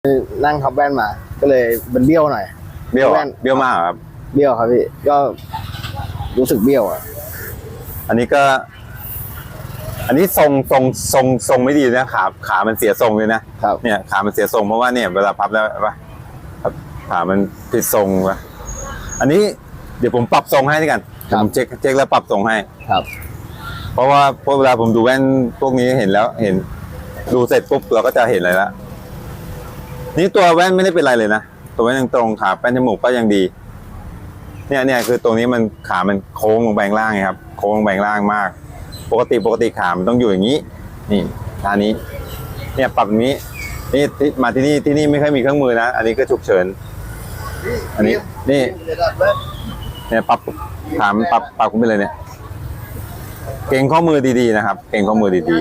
นั่งทับแว่นมา ก็เลยเป็นเบี้ยวหน่อยเบี้ยวแว่นเบี้ยวมากครับเบี้ยวครับพี่ก็รู้สึกเบี้ยวอ่ะอันนี้ทรงไม่ดีนะขามันเสียทรงเลยนะครับ เนี่ยขามันเสียทรงเพราะว่าเนี่ยเวลาพับแล้วป่ะขามันผิดทรงป่ะอันนี้เดี๋ยวผมปรับทรงให้ด้วยกันผมเช็คแล้วปรับทรงให้ครับเพราะว่าเวลาผมดูแว่นพวกนี้เห็นดูเสร็จปุ๊บเราก็จะเห็นอะไรละนี่ตัวแว่นไม่ได้เป็นไรเลยนะตัวแว่นยังตรงขาแป้นจมูกก็ยังดีเนี่ยคือตรงนี้มันขามันโค้งลงไปข้างล่างไงครับโค้งลงไปข้างล่างมากปกติขามันต้องอยู่อย่างนี้นี่ท่านี้เนี่ยปรับอย่างนี้นี่มาที่นี่ไม่ค่อยมีเครื่องมือนะอันนี้ก็ฉุกเฉินอันนี้นี่เนี่ยปรับขามันปรับขึ้นไปเลยเนี่ยเก่งข้อมือดีๆนะครับเก่งข้อมือดี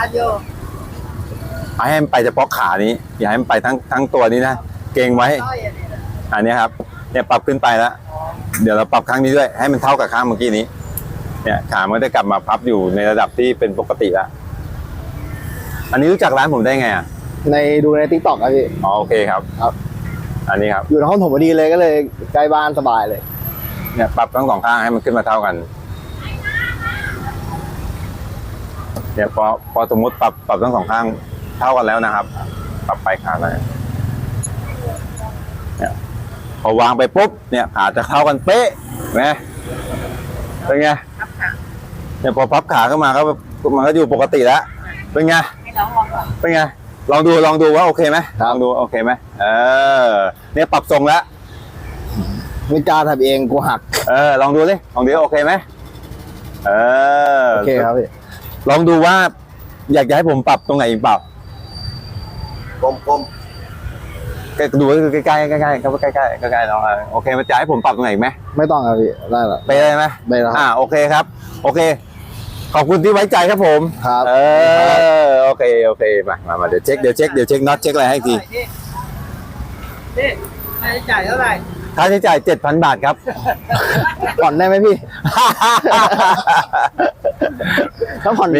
ๆให้มันไปเฉพาะขานี้อย่าให้มันไปทั้งตัวนี้นะเก่งไว้อันนี้ครับเนี่ยปรับขึ้นไปแล้วเดี๋ยวเราปรับข้างนี้ด้วยให้มันเท่ากับข้างเมื่อกี้นี้เนี่ยขามันจะกลับมาพับอยู่ในระดับที่เป็นปกติแล้วอันนี้รู้จักร้านผมได้ไงอ่ะดูใน TikTok ครับพี่อ๋อโอเคครับครับอันนี้ครับอยู่ในห้องผมพอดีเลยก็เลยใกล้บ้านสบายเลยเนี่ยปรับทั้งสองข้างให้มันขึ้นมาเท่ากันเนี่ยพอสมมติปรับทั้งสองข้างเท่ากันแล้วนะครับปรับไปขาไปเนี่ยพอวางไปปุ๊บเนี่ยขาจะเท่ากันเป๊ะไหมเป็นไงเนี่ยพอพับขาขึ้นมาก็มันก็อยู่ปกติแล้วเป็นไงเป็นไงลองดูว่าโอเคไหมลองดูโอเคไหมเนี่ยปรับทรงแล้วไม่กล้าทำเองกูหักลองดูโอเคไหมโอเคครับพี่ลองดูว่าอยากจะให้ผมปรับตรงไหนอีกเปล่ากลมดูใกล้ๆลองโอเคมันจะให้ผมปรับตรงไหนอีกไหมไม่ต้องครับพี่ได้หรอไปได้ไหมได้แล้วโอเคครับโอเคขอบคุณที่ไว้ใจครับผมครับโอเคมาเดี๋ยวเช็คน็อตเช็คอะไรให้ทีนี่ค่าใช้จ่ายเท่าไหร่ค่าใช้จ่าย 7,000 บาทครับผ่อนได้ไหมพี่ ถ้าผ่อน